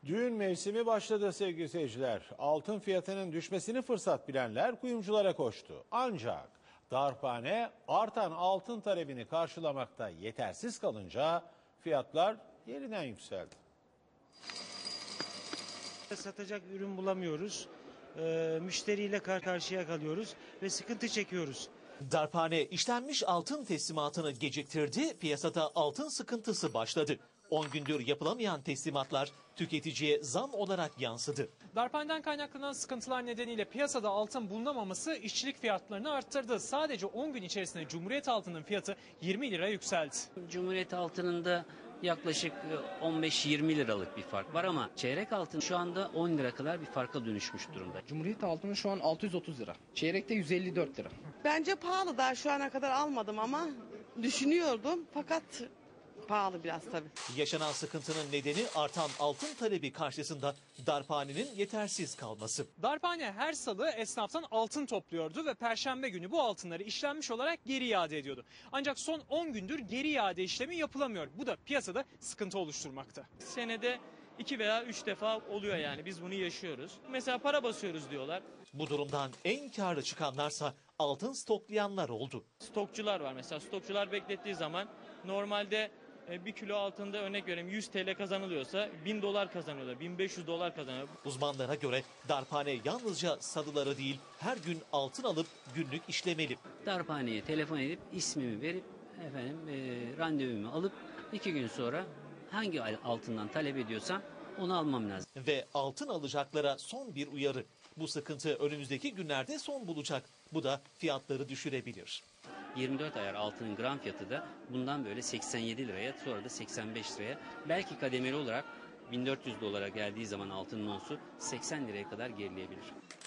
Düğün mevsimi başladı sevgili seyirciler. Altın fiyatının düşmesini fırsat bilenler kuyumculara koştu. Ancak darphane artan altın talebini karşılamakta yetersiz kalınca fiyatlar yeniden yükseldi. Satacak ürün bulamıyoruz. Müşteriyle karşıya kalıyoruz ve sıkıntı çekiyoruz. Darphane işlenmiş altın teslimatını geciktirdi, piyasada altın sıkıntısı başladı. 10 gündür yapılamayan teslimatlar tüketiciye zam olarak yansıdı. Darphaneden kaynaklanan sıkıntılar nedeniyle piyasada altın bulunamaması işçilik fiyatlarını arttırdı. Sadece 10 gün içerisinde Cumhuriyet altının fiyatı 20 lira yükseldi. Cumhuriyet altınında yaklaşık 15-20 liralık bir fark var ama çeyrek altın şu anda 10 lira kadar bir farka dönüşmüş durumda. Cumhuriyet altını şu an 630 lira. Çeyrekte 154 lira. Bence pahalı, daha şu ana kadar almadım ama düşünüyordum fakat pahalı biraz tabii. Yaşanan sıkıntının nedeni artan altın talebi karşısında darphanenin yetersiz kalması. Darphane her salı esnaftan altın topluyordu ve perşembe günü bu altınları işlenmiş olarak geri iade ediyordu. Ancak son 10 gündür geri iade işlemi yapılamıyor. Bu da piyasada sıkıntı oluşturmakta. Senede 2 veya 3 defa oluyor, yani biz bunu yaşıyoruz. Mesela para basıyoruz diyorlar. Bu durumdan en karlı çıkanlarsa altın stoklayanlar oldu. Stokçular var mesela, stokçular beklettiği zaman normalde 1 kilo altında örnek vereyim 100 TL kazanılıyorsa 1000 dolar kazanıyorlar, 1500 dolar kazanıyor. Uzmanlara göre darphane yalnızca salıları değil her gün altın alıp günlük işlemeli. Darphaneye telefon edip ismimi verip randevumu alıp 2 gün sonra hangi altından talep ediyorsam onu almam lazım. Ve altın alacaklara son bir uyarı. Bu sıkıntı önümüzdeki günlerde son bulacak. Bu da fiyatları düşürebilir. 24 ayar altının gram fiyatı da bundan böyle 87 liraya, sonra da 85 liraya, belki kademeli olarak 1400 dolara geldiği zaman altının onsu 80 liraya kadar gerileyebilir.